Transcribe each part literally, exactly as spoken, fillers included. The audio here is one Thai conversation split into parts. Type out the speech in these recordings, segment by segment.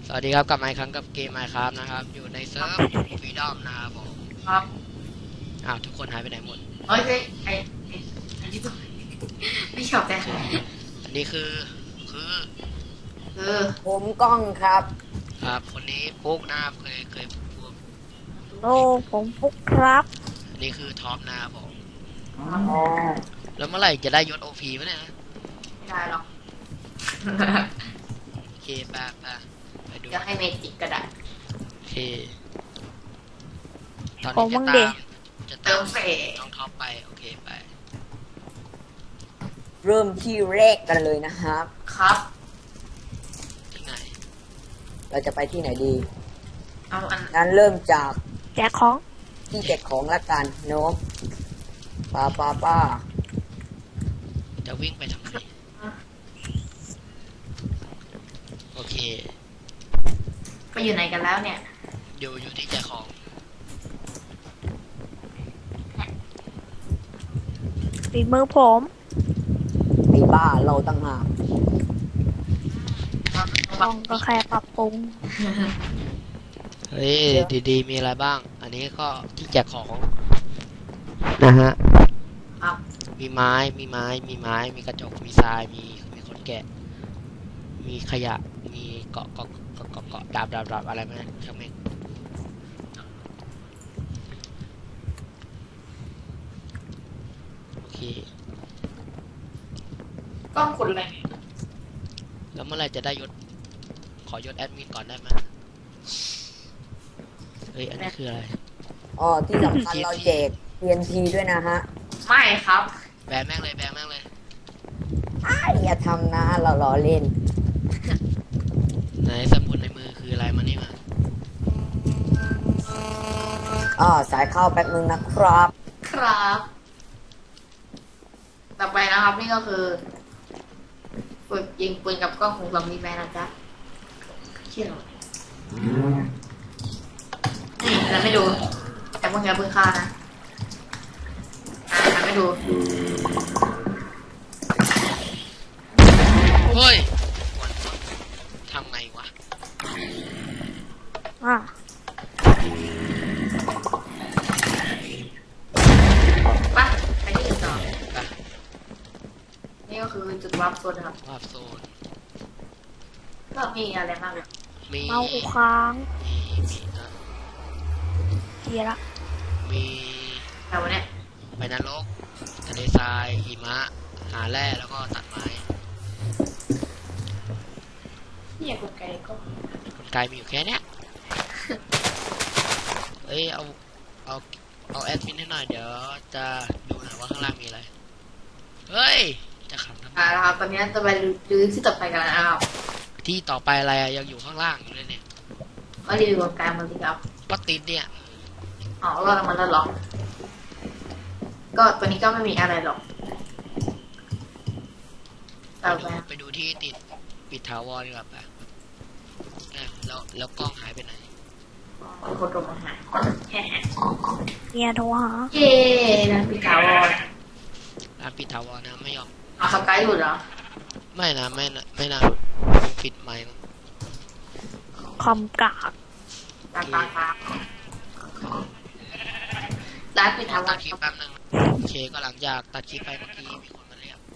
สวัสดีครับกลับมาอีกครั้งกับเกม Minecraft นะครับอยู่ในเซิร์ฟฟรีดอมนะครับผมครับอ้าวทุกคนหายไปไหนหมดเอ้ยไอ้ไอ้อันนี้ก็ไม่ชอบแต่อันนี้คือคือคือผมกล้องครับครับคนนี้ปุ๊กนะครับเคยเคยพูดโอ้ผมปุ๊กครับอันนี้คือท็อปนะครับผมอ๋อแล้วเมื่อไหร่จะได้ยศโอพีวะเนี่ยไม่ได้หรอกโอเคไปไปไปดูจะให้เมจิกก็ได้โอเคตอนนี้จะตามจะตามน้องท็อปไปโอเคไปเริ่มที่แรกกันเลยนะครับครับที่ไหนเราจะไปที่ไหนดีเอาอันงั้นเริ่มจากแจกของที่แจกของละกันเนาะป้าป้าป้าจะวิ่งไปทำไมโอเคไปอยู่ไหนกันแล้วเนี่ยอยู่อยู่ที่แจกของฝีมือผมไอ้บ้าเราตั้งหากลองก็แค่ปรับปรุงเฮ้ยดีๆมีอะไรบ้างอันนี้ก็ที่แจกของนะฮะมีไม้มีไม้มีไม้มีกระจกมีทรายมีมีคนแกะมีขยะมีเกาะเกาะเกาะเกาะเกาะดาบดาบดาบอะไรไหมช่างแม่งโอเคกล้องคนอะไรแล้วเมื่อไรจะได้ยศขอยศแอดมินก่อนได้ไหมเฮ้ยอันนี้คืออะไรอ๋อที่สำคัญเราแจก ที เอ็น ที ด้วยนะฮะไม่ครับแบนแม่งเลยแบนแม่งเลยอ้าอย่าทำนะเราล้อเล่นไหนสมุดในมือคืออะไรมานี่มาอ๋อสายเข้าแป๊บนึงนะครับครับต่อไปนะครับนี่ก็คือฝึกยิงปืนกับกล้องของซอมบี้แมนนะจ๊ะเชื่อหรอนี่เราไม่ดูแต่พวกนี้ปืนฆ่านะอ่าทำไม่ดูเฮ้ยทำไงวะอ่ะปะไปที่อื่นต่อนี่ก็คือจุดวาร์ปโซนนะครับวาร์ปโซนก็มีอะไรบ้างเนี่ยมีเมาอุค้างมีมีนะเกียร์ละมีแต่วันนี้ไปนรกทะเลทรายหิมะหาแร่แล้วก็ตัดไม้นี่กดไกก็กดไกมีอยู่แค่เนี้ยเอ้ยเอาเอาเอาแอดมินให้หน่อยเดี๋ยวจะดูหน่อยว่าข้างล่างมีอะไรเฮ้ยจะขับทำไมอ่าครับตอนนี้จะไปดูที่ต่อไปกันนะครับที่ต่อไปอะไรยังอยู่ข้างล่างอยู่เลยเนี่ยก็รีวิวการมันสิครับก็ติดเนี่ยอ๋อรอดมันแล้วหรอก็ตัวนี้ก็ไม่มีอะไรหรอกต่อไปไปดูที่ติดปิดถาวรดีกว่าป่ะแล้วแล้วกล้องหายไปไหนกดลงมาหาแฮ่เนี่ยโทรหาเย้ร้านปิดถาวรร้านปิดถาวรนะไม่ยอมอ่ะสกายหลุดเหรอไม่นะไม่นะไม่นะปิดไมค์คำกากตาตาตาร้านปิดถาวรตัดคลิปแป๊บนึงโอเคก็หลังจากตัดคลิปไปเมื่อกี้มีคนมาเรียก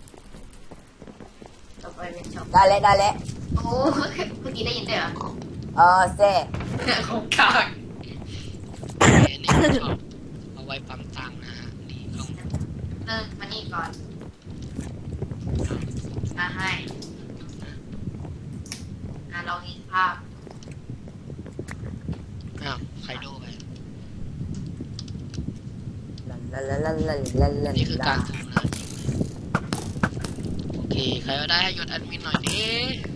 ต่อไปเป็นช็อปได้แล้วได้แล้วโอ้เมื่อกี้ได้ยินด้วยเหรอเออเซ่ของกากนี่ชอบเอาไว้ปั๊มตังค์นะฮะนี่ลงเริ่มมานี่ก่อนมาให้อ่ะลองยิงภาพอ้าวใครดูไปนี่คือการถูนะโอเคใครก็ได้ให้ยศแอดมินหน่อยดิ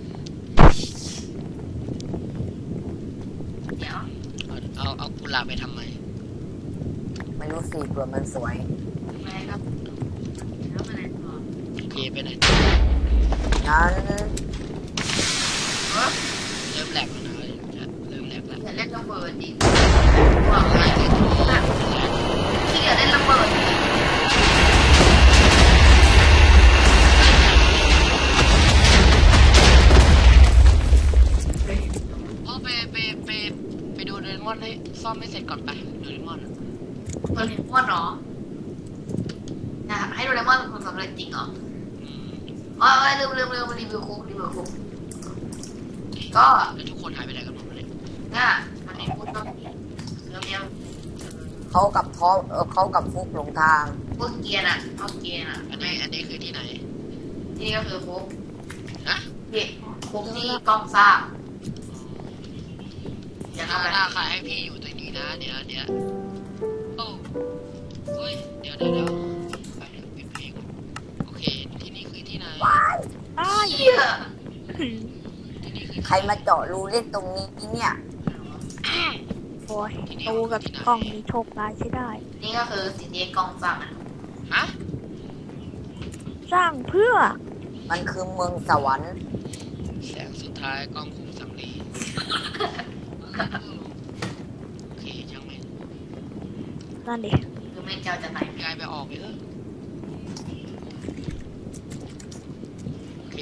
เดี๋ยวเอาเอาเอากุหลาบไปทำไมไม่รู้สิเผื่อมันสวยไม่ครับแล้วมาไหนต่อโอเคไปไหนงั้นเริ่มแหลกแล้วนะเริ่มแหลกแล้วอย่าเล่นระเบิดดิบอกอะไรที่อย่าเล่นระเบิดอนให้ซ่อมไม่เสร็จก่อนไปโดเรมอนอะโดเรมอนเหรอนะให้โดเรมอนเป็นคนสำเร็จจริงเหรออืมอ๋อลืมลืมลืมรีวิวคุกรีวิวคุกก็แล้วทุกคนหายไปไหนกันหมดเลยน่ะมันในคุกก็มีเรื่องเนี้ยเขากับพอเออเขากับฟุกหลงทางพวกเกียร์น่ะเอาเกียร์น่ะอันนี้อันนี้คือที่ไหนที่นี่ก็คือคุกฮะที่คุกที่กล้องสร้างอย่าถ้าทำอะไรถ้าใครให้พี่อยู่ตรงนี้นะเดี๋ยวเดี๋ยวโอ้เฮ้ยเดี๋ยวเดี๋ยวเดี๋ยวไปเดี๋ยวปิดเพลงโอเคที่นี่คือที่ไหนอ้ายเหี้ยที่นี่คือใครมาเจาะรูเล่นตรงนี้เนี่ยโอ้ยตูกับกล้องนี้โชคร้ายใช่ได้นี่ก็คือสิ่งที่กล้องสร้างอ่ะฮะสร้างเพื่อมันคือเมืองสวรรค์แสงสุดท้ายกล้องคุมสำลีโอเคช่างแม่งนั่นดิคือแม่งเจ้าจะไหนยายไปออกไปเถอะโอเค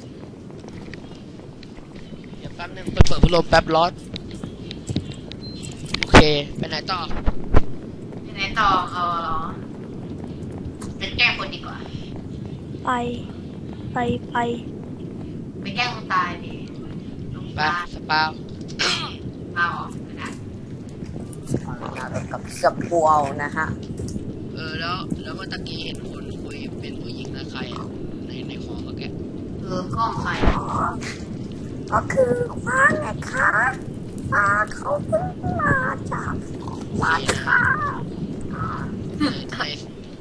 เดี๋ยวแป๊บนึงไปเปิดพัดลมแป๊บร้อนโอเคไปไหนต่อไปไหนต่อเอาเหรอเป็นแกล้งคนดีกว่าไป ไปไปไปแกล้งคนตายดิลงไปตายสปาวเอาออกนะกับสปูเอานะฮะเออแล้วแล้วเมื่อตะกี้เห็นคนคุยเป็นผู้หญิงนะใครอ่ะในในคอเมื่อกี้เออกล้องใครก็คือฟ้าไงคะฟ้าเขาเพิ่งมาจากบ้านค่ะเออไทย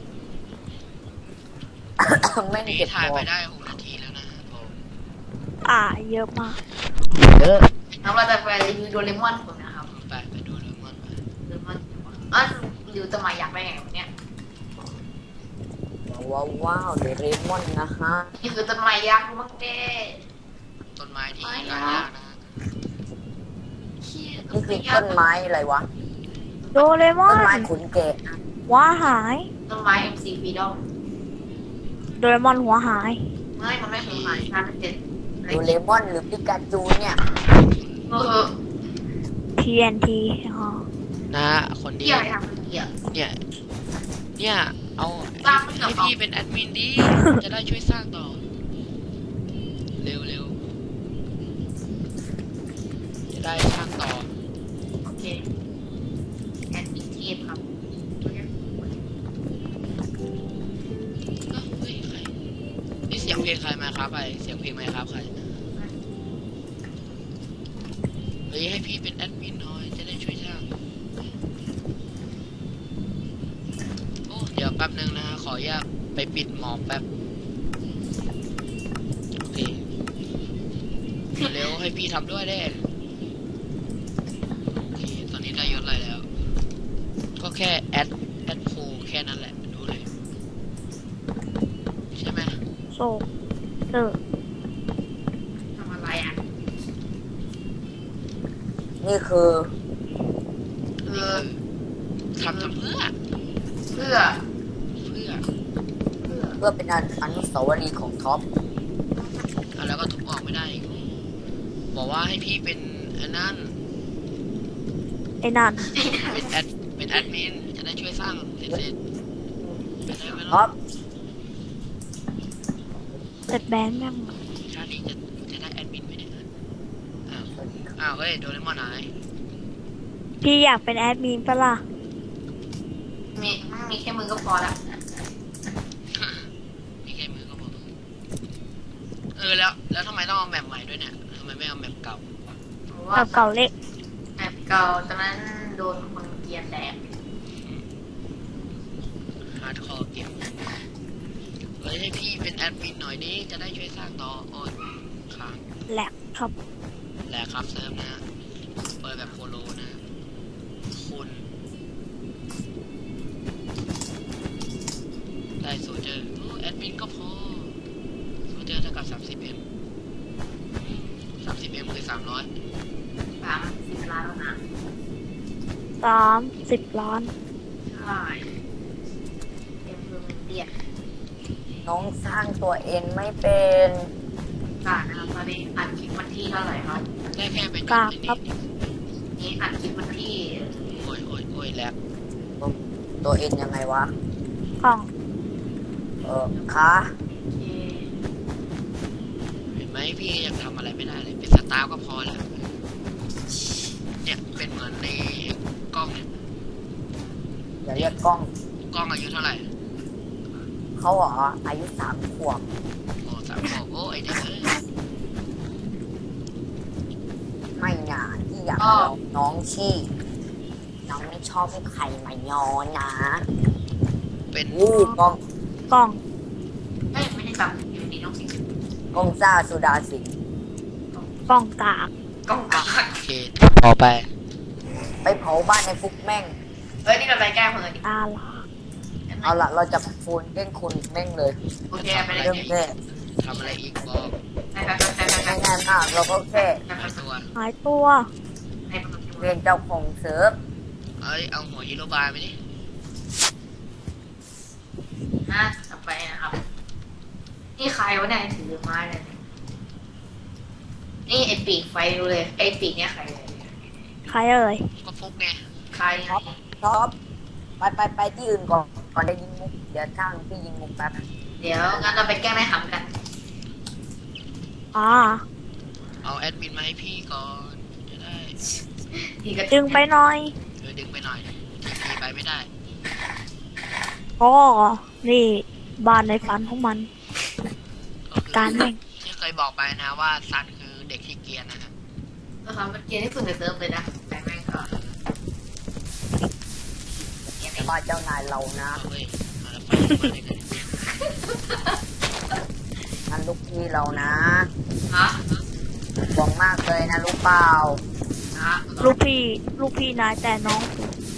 ไม่นี่เก็บถ่ายตัไปวได้หกนาทีแล้วนะผมอ่าเยอะมากเยอะแล้วเราจะไปรีวิวโดเรมอนผมนะครับไปไปดูเลยมันไปโดเรมอนอ๋อรีวิวจะมาอยากไปไงวันเนี้ยว้าวว้าวเดเรมอนนะฮะนี่คือต้นไม้ยักษ์มั้งเด้ต้นไม้ที่หายากนะเชี่ยนี่คือต้นไม้อะไรวะโดเรมอต้นนไม้ขุนแกะหัวหายต้นไม้ เอ็ม ซี Freedom โดเรมอนหัวหายไม่มันไม่คือหมายฉันเป็นโดเรมอนหรือปิกาจูเนี่ยเออที เอ็น ที อ๋อนะคนนี้เกี่ยวอะไรทำเกี่ยวเนี่ยเนี่ยเอาสร้างไม่เกี่ยวให้พี่เป็นแอดมินดิจะได้ช่วยสร้างต่อเร็วเร็วจะได้สร้างต่อโอเคแอนตี้เทปครับเอ้าเฮ้ยใครนี่เสียงเพลงใครมาครับไปเสียงเพลงไหมครับใครเฮ้ยให้พี่เป็นแอดมินหน่อยจะได้ช่วยสร้างโอ้เดี๋ยวแป๊บนึงนะขออนุญาตไปปิดหมอแป๊บโอเคเร็วให้พี่ทำด้วยได้โอเคตอนนี้ได้ยศอะไรแล้ว ก็แค่แอดแอดโพแค่นั้นแหละดูเลยใช่ไหมโซเออทำอะไรอ่ะนี่คือเอนี่อคือทำทำเพื่อเพื่อเพื่อเพื่อเพื่อเป็นอนุสาวรีย์ของท็อปอ่ะแล้วก็ทุบออกไม่ได้อีกบอกว่าให้พี่เป็นอันนั้นไอ้นั่นเป็นแอดเป็นแอดมินจะได้ช่วยสร้างเสร็จเสร็จไปได้ไหมท็อล่ะปเสร็จแบนยังชาตินี้จะจะได้แอดมินไหมเนี่ยอ้าวอ้าวเฮ้ยโดเรมอนหายพี่อยากเป็นแอดมินปะล่ะมีมีแค่มือก็พอละมีแค่มือก็พอเออแล้วแล้วทำไมต้องเอาแมปใหม่ด้วยเนี่ยทำไมไม่เอาแมปเก่าเพราะแบว่าบเก่าเล็กแบบเก่าตอนนั้นโดนคนเกลียนแดกฮาร์ดคอร์เกมเฮ้ยให้พี่เป็นแอดมินหน่อยดิจะได้ช่วยสร้างต่อโอ้ยค้างแหลกครับแหละครับเซิร์ฟนะเปิดแบบโคโลนะคุณได้โซเจอร์โอ้แอดมินก็พอโซเจอร์เท่ากับสามสิบเอ็มสามสิบเอ็มคือสามร้อยสามสิบล้านแล้วนะสามสิบล้านใช่เอ็มคือมันเตี้ยน้องสร้างตัวเองไม่เป็นกานะครับตอนนี้อัดคลิปวันที่เท่าไหร่ครับได้แค่เป็นกลางครับนี่นี้อัดคลิปวันที่โอ้ยโอ้ยโอ้ยแลกตัวเอ็นยังไงวะกล้องเออขาเอ่อเห็นไหมพี่ยังทำอะไรไม่ได้เลยเป็นสตาร์ก็พอแล้วเนี่ยเป็นเหมือนในกล้องเนี่ยอย่าเรียกกล้องกล้องอายุเท่าไหร่เขาเหรออายุสามขวบโอ้สามขวบโอ้ไอเด็กเอ้ยไม่หนาที่อยากเอาน้องชี่น้องไม่ชอบให้ใครมาย้อนนะเป็นอู้กล้องกล้องไม่ไม่ได้แบบอยู่ดีน้องสิงกล้องซ่าสุดาสิงห์กล้องกากกล้องกากโอเคต่อไปไปเผาบ้านในฟุกแม่งเฮ้ยนี่เราไปแก้มือดิตาลาเอาละเราจะฟูนเล่นคุณแม่งเลยโอเคไปเลยเรื่องแค่ทำอะไรอีกบอกไปไปไปไปไปง่ายๆมากเราก็แค่หายตัวหายตัวไปไปเรียนเจ้าของเซิร์ฟเอ้ยเอาหัวฮีโร่บายไปดินะต่อไปนะครับนี่ใครวะเนี่ยถือไม้เลยนี่ไอปีกไฟดูเลยไอปีกเนี่ยใครเลยใครเอ่ยก็ฟุกไงใครท็อปท็อปไปไปไปที่อื่นก่อนก่อนจะยิงมุกเดี๋ยวข้างพี่ยิงมุกแป๊บเดี๋ยวงั้นเราไปแก้แม่หำกันอ่าเอาแอดมินมาให้พี่ก่อนจะได้ทีก็ดึงไปหน่อยเออดึงไปหน่อยทีพีไปไม่ได้ก็นี่บ้านในฝันของมันก็คือการแม่งที่เคยบอกไปนะว่าซันคือเด็กที่เกรียนนะฮะเราทำเป็นเกมที่สุดในเซิร์ฟเลยนะแต่แม่งก็แต่ว่าเจ้านายเรานะเอาเว้ยเอาแล้วไปมาได้ไงนั่นลูกพี่เรานะฮะหวังมากเลยนะรู้เปล่าฮะลูกพี่ ลูกพี่นายแต่น้อง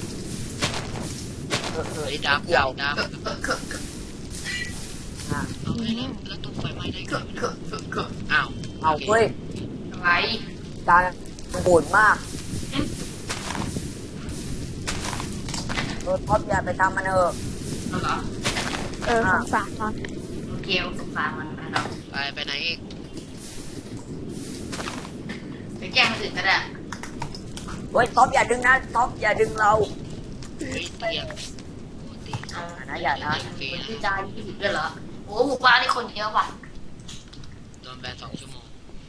เออเออเฮ้ยดับเกี่ยวดับเออเออเอออ่ะเอาไปแล้วแล้วตุ้มไฟไหม้ได้ไงเออเออเออเอออ้าวเอาเว้ยอะไรการโหดมากเออท็อปอย่าไปทำมันเถอะเอาเหรอเออสงสารมันโอเคสงสารมันนะครับไปไปไหนอีกไปแกล้งคนอื่นก็ได้เฮ้ยท็อปอย่าดึงนะท็อปอย่าดึงเราเฮ้ยเตียงโอ้ตีเอาอย่านะอย่านะฟรีคนนะที่จานยี่สิบด้วยเหรอโอ้หมู่บ้านนี่คนเยอะว่ะโดนแบนสองชั่วโมง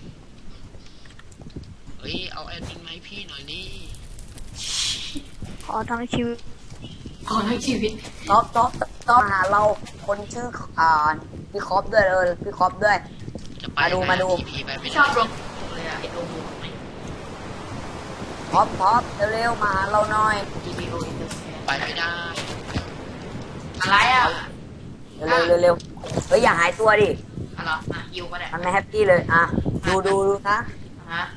เฮ้ยเอาแอดมินมาให้พี่หน่อยนี่ขอทั้งชีวิตขอทั้งชีวิตท็อปท็อปท็อปมาหาเราคนชื่ออ่าพี่คอปด้วยเออพี่คอปด้วยจะไปมาดูมาดูทีพีไปไม่ไม่ได้ชอบรวมเลยอะไอ้รวมหมู่ไม่ท็อปท็อปเร็วๆมาหาเราหน่อยทีวีโอเอ็นเตอร์แฟนไปไม่ได้อะไรอ่ะเร็วๆเร็วๆเฮ้ยอย่าหายตัวดิอะไรอ่ะยูก็ได้มันไม่แฮปปี้เลยอ่ะดูดูดูนะฮะ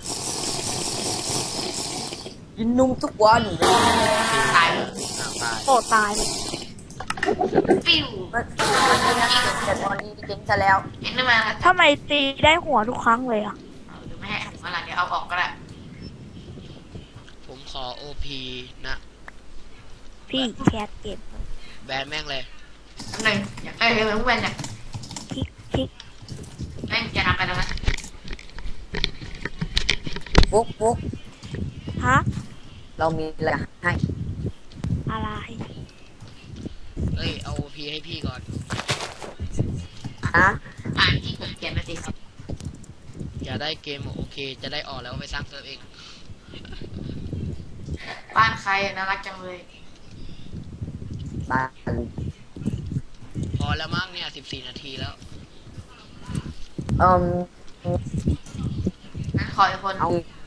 กินนมทุกวันตายเลยอ้าวตายโอ้ตายเลยปิ้วมันแต่ตอนนี้เจ๊งซะแล้วเห็นได้ไหมทำไมตีได้หัวทุกครั้งเลยอ่ะเอาหรือไม่ให้ผมอะไรเดี๋ยวเอาออกก็ได้ผมขอโอพีนะพี่แคทเก็บแบนแม่งเลยหนึ่งอยากเอ้ยเฮ้ยมึงเป็นเนี่ยคลิกคลิกแม่งอย่าทำไปตรงนั้นฟุกฟุกฮะเรามีอะไรให้อะไรเอ้ยเอาโอพีให้พี่ก่อนฮะอ่านที่ผมเขียนไปสิอย่าได้เกมโอเค จะได้ออกแล้วไปสร้างเซิร์ฟเองบ้านใครน่ารักจังเลยบ้านพอแล้วมั้งเนี่ยสิบสี่นาทีแล้วเอ่มงั้นขออีกคนเอา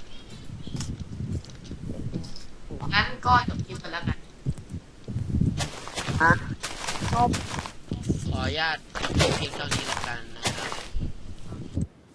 งั้นก็จบคลิปกันแล้วกันฮะขออนุญาตจบเพียงเท่านี้แล้วกัน